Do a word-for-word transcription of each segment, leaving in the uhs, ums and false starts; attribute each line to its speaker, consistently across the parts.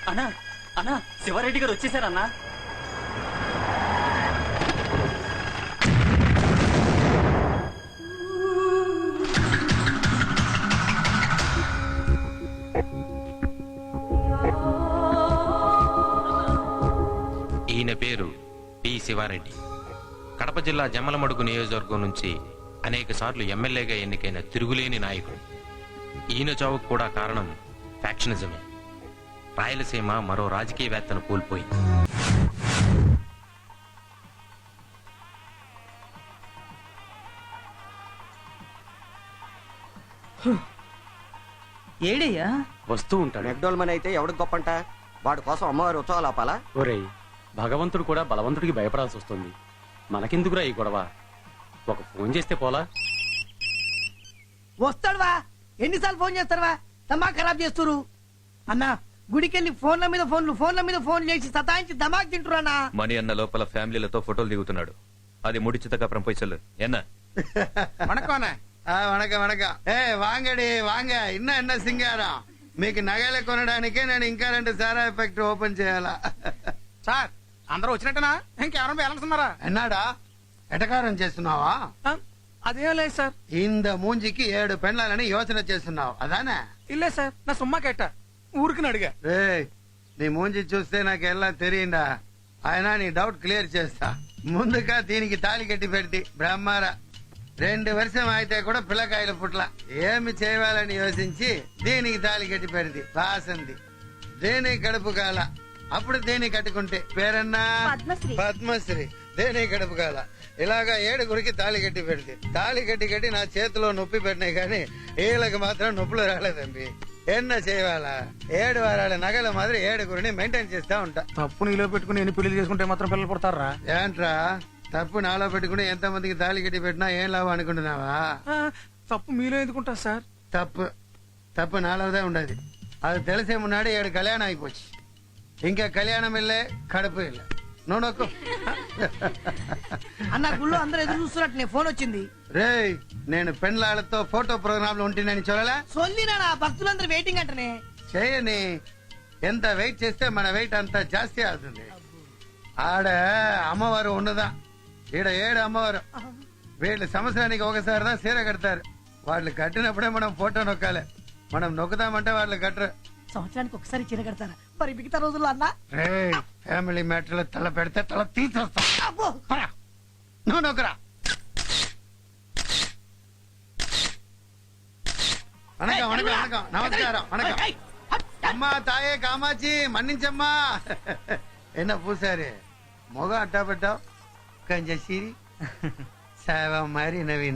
Speaker 1: అన్నా అన్నా శివారెడ్డి గారు వచ్చేసారన్నా.
Speaker 2: ఈయన పేరు పి శివారెడ్డి. కడప జిల్లా జమ్మలమడుగు నియోజకవర్గం నుంచి అనేక సార్లు ఎమ్మెల్యేగా ఎన్నికైన తిరుగులేని నాయకుడు. ఈయన చావుకు కూడా కారణం ఫ్యాక్షనిజమే. రాయలసీమ మరో రాజకీయవేత్తను కోల్పోయింది.
Speaker 3: ఏడయ్యా
Speaker 4: వస్తూ ఉంటాడు.
Speaker 5: మెక్డోల్మన్ అయితే ఎవడికి గొప్పంట? వాడి కోసం అమ్మవారి ఉత్సవాలు ఆపాలా?
Speaker 4: ఒరేయ్, భగవంతుడు కూడా బలవంతుడికి భయపడాల్సి వస్తుంది. మనకెందుకురా ఈ గొడవ? ఒక ఫోన్ చేస్తే పోలా?
Speaker 3: వస్తాడువా? ఎన్నిసార్లు ఫోన్ చేస్తారువా? దమా ఖరాబ్ చేస్తురు అన్నా. గుడికెళ్ళి ఫోన్ల మీద ఫోన్లు ఫోన్ల మీద ఫోన్ చేసి సతాయించి దమాక్ తింటున్నా.
Speaker 6: మణి అన్న లోపల ఫ్యామిలీలతో ఫోటోలు దిగుతున్నాడు. అది முடிச்சதுக்கப்புறம் போய் சொல்லு. என்ன
Speaker 7: வணக்கம் వణక వణక ఏ వాంగడి వాంగ ఇన్న ఎన్న సింగారం మీకు నగలు కొనడానికే నేను ఇంకా రెండు సారా ఎఫెక్ట్ ఓపెన్ చేయాలా?
Speaker 8: సార్ అందరూ వచ్చినట్టనా? ఇంకెవరైనా బ్యాలెన్స్ ఉన్నారా?
Speaker 7: ఎన్నాడా ఎటకారం చేస్తున్నావా?
Speaker 8: అదేం లేదు సార్.
Speaker 7: ఇంద మూంజికి ఏడు పెండ్లాలని యోచన చేస్తున్నావు అదానే?
Speaker 8: ఇల్లే సార్, నా సుమ్మా కేట ఊరికి అడిగా.
Speaker 7: రే నీ మూంజి చూస్తే నాకు ఎలా తెలియందా? ఆయన నీ డౌట్ క్లియర్ చేస్తా. ముందుగా దీనికి తాళి కట్టి పెడితే బ్రహ్మారా రెండు వర్షం అయితే కూడా పిల్లకాయల పుట్ల ఏమి చేయాలని యోచించి దీనికి తాళి కట్టి పెడితే వాసంది. దేని కడుపు కాల అప్పుడు దేని కట్టుకుంటే పేరన్నా పద్మశ్రీ. దేని కడుపు కాల ఇలాగా ఏడుగురికి తాళి కట్టి పెడితే తాళి కట్టి కట్టి నా చేతిలో నొప్పి పెట్టినాయి కానీ వీళ్ళకి మాత్రం నొప్పులు రాలేదండి. ఎన్న చేయాలా? ఏడు వారాల నగల మాదిరి ఏడుగురిని మెయింటైన్ చేస్తా ఉంటా.
Speaker 8: తప్పు నీలో పెట్టుకుని ఎన్ని పెళ్లి చేసుకుంటే మాత్రం పిల్లలు పుడతారా?
Speaker 7: ఏంట్రా తప్పు నాలో పెట్టుకుని ఎంత మందికి తాళి కట్టి పెట్టినా ఏం లాభం అనుకుంటున్నావా?
Speaker 8: తప్పు మీలో ఎందుకుంటా సార్?
Speaker 7: తప్పు తప్పు నాలోదే ఉండదు. అది తెలిసే మున్నాడు ఏడు కళ్యాణం అయిపోச்சு. ఇంకా కళ్యాణం ఇల్లే కడుపు ఇల్లే. నువ్వు నొక్కు.
Speaker 3: అన్న గుళ్ళో అందరూ ఎదురు చూస్తున్నట్టు నీ ఫోన్ వచ్చింది.
Speaker 7: రే నేను పెండ్లాళ్ళతో ఫోటో ప్రోగ్రామ్ లో ఉంటున్నాను చూడలే?
Speaker 3: సొల్లినా భక్తులందరూ వెయిటింగ్ అంటనే.
Speaker 7: చేయని ఎంత వెయిట్ చేస్తే మన వెయిట్ అంత జాస్తి అవుతుంది. ఆడ అమ్మవారు ఉండదా? ఈడ ఏడు అమ్మవారు. వీళ్ళు సంవత్సరానికి ఒకసారిదా సీర కడతారు. వాళ్ళు కట్టినప్పుడే మనం ఫోటో నొక్కాలి. మనం నొక్కుతామంటే వాళ్ళు కట్టరు.
Speaker 3: సంవత్సరానికి ఒకసారి చీర కడతారా? మరి మిగతా రోజుల్లో అన్నా
Speaker 7: ఫ్యామిలీ మ్యాటర్ లో తల పెడితే తల తీసేస్తా. నువ్వు నొక్కరా. వణకం వణకం వణకం నమస్కారం వణకం. అమ్మా తాయే కామాచి మన్నించమ్మా. ఎన్న పూసారి మొగ అట్టా పెట్టావు కంజసిరి సేవ మరి నవీన.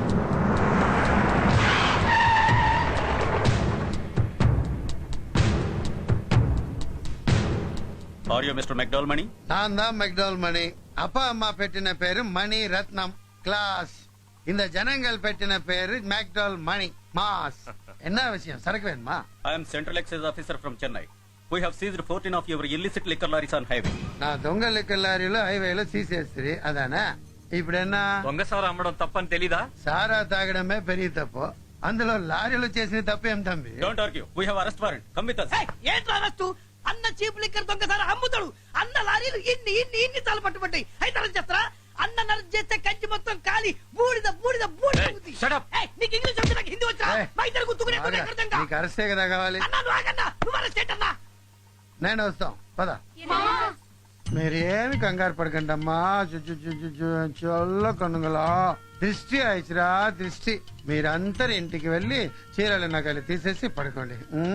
Speaker 1: Are you mister McDowell Mani?
Speaker 7: నాందా మెక్డోల్ మణి. అప్ప అమ్మ పెట్టిన పేరు మణి రత్నం క్లాస్. இந்த ஜனங்கள் పెట్టిన పేరు మెక్డోల్ మణి మాస్. என்ன விஷயம்? సరకు వేణమా?
Speaker 1: I am central excise officer from Chennai. We have seized fourteen of your illicit liquor lorries on highway.
Speaker 7: నా దొంగ లిక్కర్ లారీలో హైవేలో తీసేస్తుంది అదానా? ఇప్పుడన్నా
Speaker 6: దొంగ సారా అమ్మడం తప్పని తెలీదా?
Speaker 7: సారా తాగడమే పెరిగి తప్పు. అందులో లారీలు చేసిన తప్పేం తంబి?
Speaker 1: Don't argue. We have arrest warrant. Come with us.
Speaker 3: ఏంట్రా అరెస్టు? అన్న చీప్ లిక్కర్ దొంగసారి అమ్ముతాడు. అన్న లారీలు ఇన్ని ఇన్ని ఇన్ని తాలు పట్టుబడ్డాయి. అయితే అరెస్ట్ చేస్తారా? అన్న నరేట్ చేస్తే కంచి మొత్తం కాలి బూడిద బూడిద బూడిద. నీకు ఇంగ్లీష్ వచ్చి నాకు హిందీ వచ్చా? మా ఇద్దరు గుర్తుకునే
Speaker 7: నీకు అరెస్టే కదా కావాలి.
Speaker 3: అన్నా నువ్వు ఆగన్నా. నువ్వు అరెస్ట్ ఏంటన్నా?
Speaker 7: నేను వస్తాం పద. మీరేమి కంగారు పడకండి అమ్మా. చల్ల కనుగలా దృష్టి అయిచిరా దృష్టి. మీరందరు ఇంటికి వెళ్ళి చీరలు నగలు తీసేసి పడుకోండి.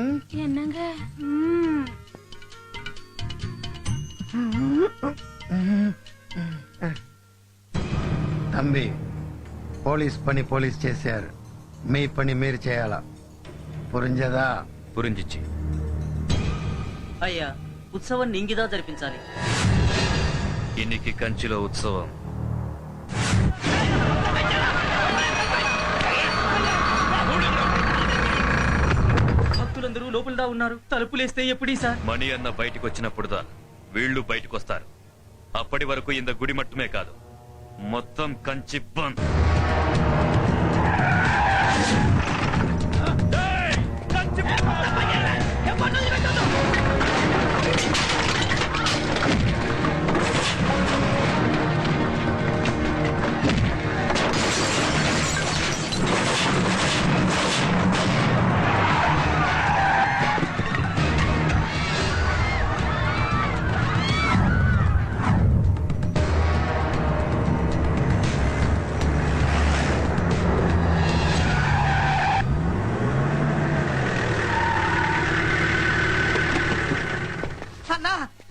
Speaker 7: తంబి పోలీస్ పని పోలీస్ చేశారు. మీ పని మీరు చేయాలా? పురింజదా?
Speaker 6: పురింజిచ్చి
Speaker 9: అయ్యా ఉత్సవాన్ని ఇంగిదా జరిపించాలి.
Speaker 6: ఇన్నికి కంచిలో ఉత్సవం.
Speaker 9: భక్తులందరూ లోపలదా ఉన్నారు. తలుపులేస్తే ఎప్పుడీ సార్?
Speaker 6: మణి అన్న బయటికి వచ్చినప్పుడుదా వీళ్ళు బయటకు వస్తారు. అప్పటి వరకు ఇంత గుడి మట్టుమే కాదు మొత్తం కంచి బంద్.
Speaker 3: కంచి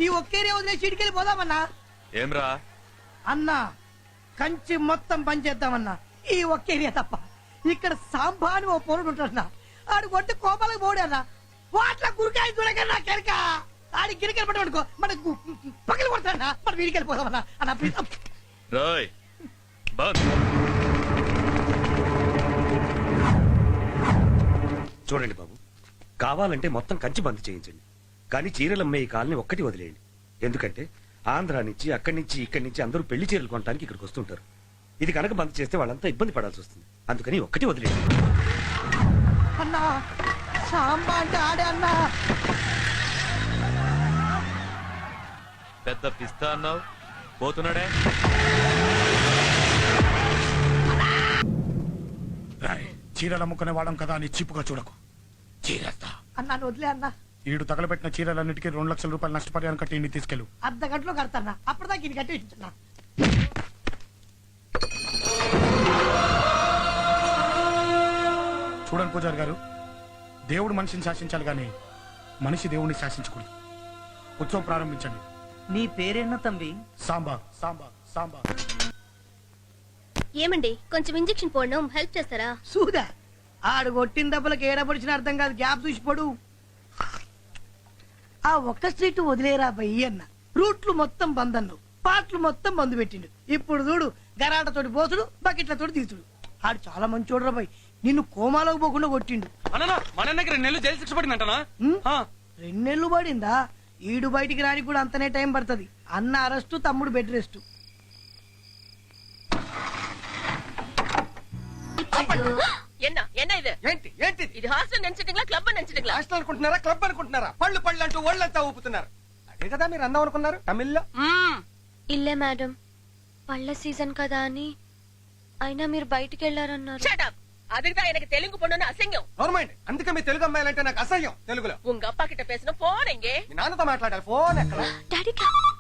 Speaker 3: ఈ ఒక్కేరియా వదిలేసి ఇటుకెళ్ళి పోదామన్నా.
Speaker 6: ఏమ్రా
Speaker 3: అన్నా కంచి మొత్తం పనిచేద్దామన్నా, ఈ ఒక్కేరియా తప్ప. ఇక్కడ సాంబా అని ఓ పొరుడు ఉంటాడన్నా, ఆడు కొట్టి కోపాలకు పోడన్నా. వాట్ల గురికాయ చూడకన్నా కెరక ఆడి గిరికెళ్ళి పట్టుకో మన పక్కన కొడతాడన్నా. మనం వీడికెళ్ళి పోదామన్నా అన్న ప్లీజ్.
Speaker 6: రాయ్ బంద్.
Speaker 10: చూడండి బాబు, కావాలంటే మొత్తం కంచి బంద్ చేయించండి, కానీ చీరలు అమ్మే ఈ కాలనీ ఒక్కటి వదిలేయండి. ఎందుకంటే ఆంధ్రా నుంచి అక్కడి నుంచి ఇక్కడి నుంచి అందరూ పెళ్లి చీరలు కొనడానికి ఇక్కడికి వస్తుంటారు. ఇది కనుక బంద్ చేస్తే వాళ్ళంతా ఇబ్బంది పడాల్సి వస్తుంది. అందుకని ఒక్కటి వదిలేయండి.
Speaker 3: అన్నా సాంబా అంటే ఆడే అన్నా.
Speaker 6: పెద్ద పిస్తా అన్నావు, పోతున్నాడే.
Speaker 8: చీరలు అమ్ముకునే వాడం కదా అని చీపుగా చూడకు. చీరేస్తా.
Speaker 3: అన్నా వదిలే అన్నా.
Speaker 8: ఈడు తగలబెట్టిన చీరలన్నిటికీ రెండు లక్షల రూపాయలు నష్టపరిహారం కట్టి ఇంటికి తీసుకెళ్ళు.
Speaker 3: అర్ధ గంటలో కడతానా, అప్పటిదాకా ఇది కట్టి ఇచ్చున్నా.
Speaker 8: చూడండి పూజారి గారు, దేవుడు మనిషిని శాసించాలి గాని మనిషి దేవుడిని శాసించకూడదు. ఉత్సవం ప్రారంభించండి.
Speaker 9: నీ పేరేనా తంబి?
Speaker 8: సాంబా సాంబా సాంబా.
Speaker 11: ఏమండి కొంచెం ఇంజెక్షన్ పోవడం హెల్ప్ చేస్తారా?
Speaker 3: చూదా ఆడు కొట్టిన దెబ్బలకు ఏడపడిచిన అర్థం కాదు, గ్యాప్ చూసి పడు. ఆ ఒక్క స్ట్రీట్ వదిలేరా బయ్యి అన్న. రూట్లు మొత్తం బంద్ అన్నావు, పాటలు మొత్తం బంద్ పెట్టిండు. ఇప్పుడు చూడు గరాటతోటి పోతుడు, బకెట్లతోటి తీసుడు. ఆడు చాలా మంచోడు రా బయ్, నిన్ను కోమాలోకి పోకుండా కొట్టిండు.
Speaker 4: మన దగ్గర నెల్లు జైలు శిక్ష పడిందంటనా?
Speaker 3: రెండేళ్లు పడిందా? ఈడు బయటికి రానికి కూడా అంతనే టైం పడుతుంది. అన్న అరెస్టు, తమ్ముడు బెడ్ రెస్ట్.
Speaker 12: என்ன என்ன இது
Speaker 5: ఏంటి ఏంటి
Speaker 12: ఇది హాస్టల్ నెంచటింగ్లా క్లబ్ నెంచటింగ్లా?
Speaker 5: హాస్టల్ అనుకుంటున్నారా, క్లబ్ అనుకుంటున్నారా? పళ్ళు పళ్ళు అంటూ ఒళ్ళంతా ఊపుతున్నారు. అదే కదా మీరు అందం అనుకున్నారు తమిళ్లో.
Speaker 11: ఇల్లే మేడం, పళ్ళ సీజన్ కదా అని. అయినా మీరు బయటికి వెళ్ళారన్నారు.
Speaker 12: Shut up. அதுக்குதான் எனக்கு தெலுங்கு பொண்ணுன்னு அசிங்கம்.
Speaker 5: గవర్నమెంట్ అందుకే మీ తెలుగు అమ్మాయిలంటే నాకు అసహ్యం. తెలుగులో
Speaker 12: உங்க அப்பா கிட்ட பேசணும், போன் எங்கே?
Speaker 5: మీ నాన్నతో మాట్లాడాలి. ఫోన్ ఎక్కడ?
Speaker 11: డాడీ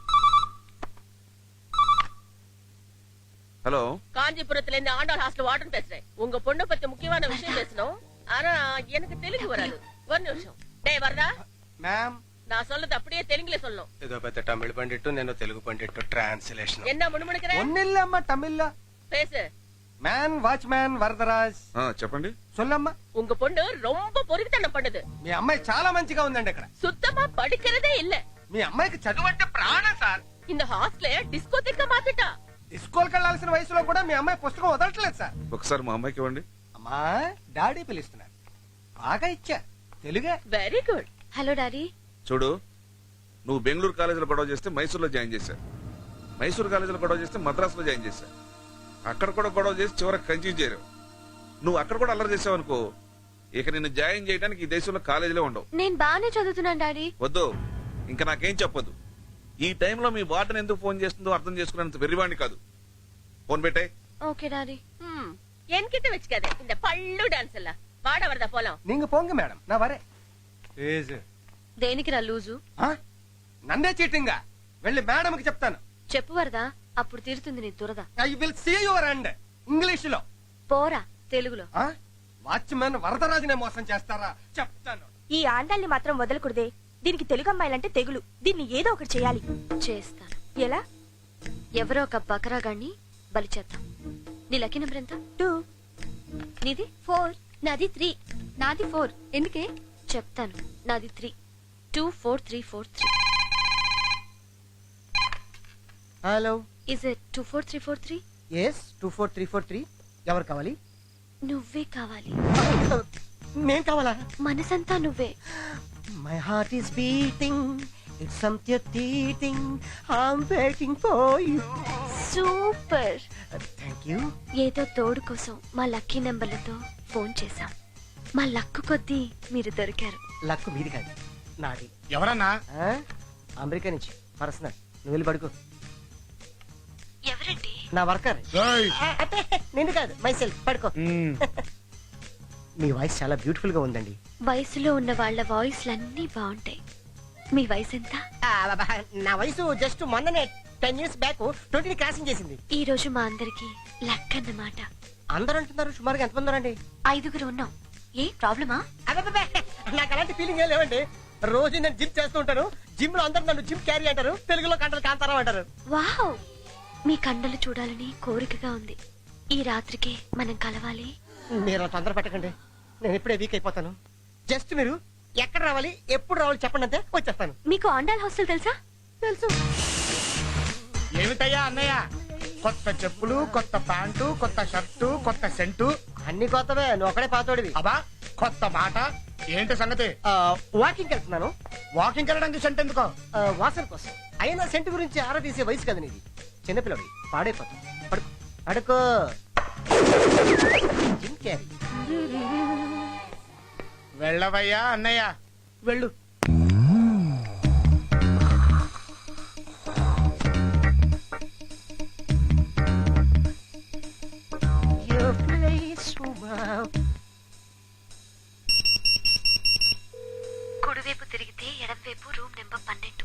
Speaker 1: హలో,
Speaker 12: காஞ்சிபுரத்துல இருந்து ஆண்டாள் ஹாஸ்டல் வார்டன் பேசுறேன். உங்க பொண்ணு பத்தி முக்கியமான விஷயம் பேசணும். ஆனா எனக்கு தெலுங்கு வராது. ஒரு நிமிஷம். டேய் வரதா,
Speaker 5: మ్యామ్
Speaker 12: நான் சொல்றது அப்படியே தெலுங்குல சொல்லணும்.
Speaker 5: ఏదో పెద్ద తమిళ పండిట్టు నేను తెలుగు పండిట్టు ట్రాన్స్లేషన్.
Speaker 12: என்ன முணுமுணுக்கிற?
Speaker 5: ఒన్నిల్లమ్మ తమిళ్లో
Speaker 12: பேசு.
Speaker 5: Man watchman Varadaraj.
Speaker 1: చెప్పండి.
Speaker 5: సొల్లమ్మ.
Speaker 12: உங்க பொண்ணு ரொம்ப பொறுக்கித்தனம் பண்ணுது.
Speaker 5: మీ అమ్మాయి చాలా మంచిగా ఉందండి. ఇక్కడ
Speaker 12: சுத்தமா படிக்கிறதே இல்ல.
Speaker 5: మీ అమ్మాయికి చదువు అంటే ప్రాణం సార్.
Speaker 12: இந்த ஹாஸ்டலே డిస్కోథెక్క మాత్రట.
Speaker 5: స్కూల్కి వెళ్లాల్సిన వయసులో కూడా మీ అమ్మాయి పుస్తకం వదలట్లేదు సార్.
Speaker 1: ఒకసారి మా అమ్మాయికి ఇవ్వండి.
Speaker 5: అమ్మా డాడీ పిలుస్తున్నారు. బాగా ఇచ్చా తెలుగే.
Speaker 12: Very good.
Speaker 11: Hello daddy.
Speaker 1: చూడు, నువ్వు బెంగళూరు కాలేజీలో గొడవ చేస్తే మైసూర్లో జాయిన్ చేశా, మైసూర్ కాలేజీలో గొడవ చేస్తే మద్రాసులో జాయిన్ చేశా, అక్కడ కూడా గొడవ చేసి చివరికి కంచి చేరావు. నువ్వు అక్కడ కూడా అల్లరి చేసావు అనుకో, ఇక నిన్ను జాయిన్ చేయడానికి ఈ దేశంలో కాలేజీలో ఉండవు.
Speaker 11: నేను బాగానే చదువుతున్నాను డాడీ.
Speaker 1: వద్దు, ఇంకా నాకేం చెప్పొద్దు. ఈ టైంలో మీ వార్డెన్ ఎందుకు ఫోన్ చేస్తుందో అర్థం చేసుకునేంత వెర్రివాణ్ణి కాదు. ఫోన్ పెట్టే.
Speaker 11: Okay daddy.
Speaker 12: என்கிட்ட வச்சுக்காத இந்த பள்ளு டான்ஸ் எல்லாம். வாட வரதா போலாம்.
Speaker 5: நீங்க போங்க மேடம், நான் வரேன்.
Speaker 11: దేనికి రా లూజు?
Speaker 5: నన్నే చీటింగా వెళ్ళి మేడం కి చెప్తాను.
Speaker 11: చెప్పు వరదా, అప్పుడు తీరుతుంది నీ దురద.
Speaker 5: I will see your end. English లో
Speaker 11: పోరా తెలుగులో.
Speaker 5: వాచ్మెన్ వరదరాజునే మోసం చేస్తారా చెప్తాను.
Speaker 13: ఈ ఆండాల్ని మాత్రం వదలకూడదే. దీనికి తెలుగు అమ్మాయిలంటే తెగులు. దీన్ని ఏదో ఒకటి చేయాలి.
Speaker 11: చేస్తాను.
Speaker 13: ఎలా?
Speaker 11: ఎవరో ఒక బకరాగాన్ని బలి చేద్దాం. నీ లక్కీ నెంబర్ ఎంత?
Speaker 13: టూ.
Speaker 11: నీది?
Speaker 13: ఫోర్.
Speaker 11: నాది త్రీ. నాది ఫోర్. ఎందుకే? చెప్తాను. నాది three. Two four three four three.
Speaker 3: Hello,
Speaker 11: is it two four three four three?
Speaker 3: Yes two four three four three. ఎవరు కావాలి?
Speaker 11: నువ్వే కావాలి.
Speaker 3: నేను కావాలా?
Speaker 11: మనసంతా నువ్వే.
Speaker 3: My heart is beating, it's something teeting, I'm waiting for you.
Speaker 11: Super.
Speaker 3: Thank you.
Speaker 11: ఏదో తోడు కోసం మా లక్కీ నెంబర్లతో ఫోన్ చేశాం. మా లక్కు కొద్దీ మీరు దొరికారు.
Speaker 3: లక్కు మీది కాదు, నాది.
Speaker 8: ఎవరన్నా?
Speaker 3: అమెరికా నుంచి పర్సనల్. నువ్వు వెళ్ళి పడుకో.
Speaker 11: ఎవరండి?
Speaker 3: నా వర్కర్. నిన్ను కాదు, మై సెల్ఫ్. పడుకో. మీ వాయిస్ చాలా బ్యూటిఫుల్ గా ఉందండి.
Speaker 11: వయసులో ఉన్న వాళ్ళ వాయిస్లన్నీ బాగుంటాయి. మీ వయసు ఎంత?
Speaker 3: నా వయసు జస్ట్ మొన్ననే ten years back twenty crossing చేసింది.
Speaker 11: ఈ రోజు మా అందరికి లక్ అన్నమాట.
Speaker 3: అందరూ అంటున్నారు. సుమారుగా ఎంతమంది ఉన్నారండి?
Speaker 11: ఐదుగురు ఉన్నాం. ఏ ప్రాబ్లమా?
Speaker 3: నాకు అలాంటి ఫీలింగ్ ఏం లేవండి. రోజు నేను జిమ్ చేస్తూ ఉంటాను. జిమ్ లో అందరు నన్ను జిమ్ క్యారీ అంటారు, తెలుగులో కండలు కాంతారావు అంటారు.
Speaker 11: వావ్, మీ కండలు చూడాలని కోరికగా ఉంది. ఈ రాత్రికి మనం కలవాలి.
Speaker 3: మీరు తొందర పెట్టకండి, నేను ఇప్పుడే వీక్ అయిపోతాను. జస్ట్ మీరు ఎక్కడ రావాలి, ఎప్పుడు రావాలి చెప్పండి, అంతే వచ్చేస్తాను.
Speaker 11: మీకు ఆండాల్ హాస్టల్ తెలుసా?
Speaker 3: తెలుసు.
Speaker 8: ఏమిటయ్యా అన్నయ్య, కొత్త చెప్పులు, కొత్త ప్యాంటు, కొత్త షర్టు, కొత్త సెంటు,
Speaker 3: అన్ని కొత్తవే, నువ్వు ఒకడే పాతోడివి.
Speaker 8: అబ్బా కొత్త మాట ఏంటి సంగతి?
Speaker 3: వాకింగ్ వెళ్తున్నాను.
Speaker 8: వాకింగ్ వెళ్ళడానికి సెంట్ ఎందుకో?
Speaker 3: ఆ, వాసన కోసం. అయినా సెంటు గురించి ఆరా తీసే వయసు కదా నీది. చిన్నపిల్లడి పాడైపోతాం. పడుకో పడుకో. Jim Carrey.
Speaker 8: వెళ్ళవయ్యా అన్నయ్య,
Speaker 3: వెళ్ళు.
Speaker 11: కుడివైపు తిరిగితే ఎడంవైపు రూమ్ నెంబర్ పన్నెండు.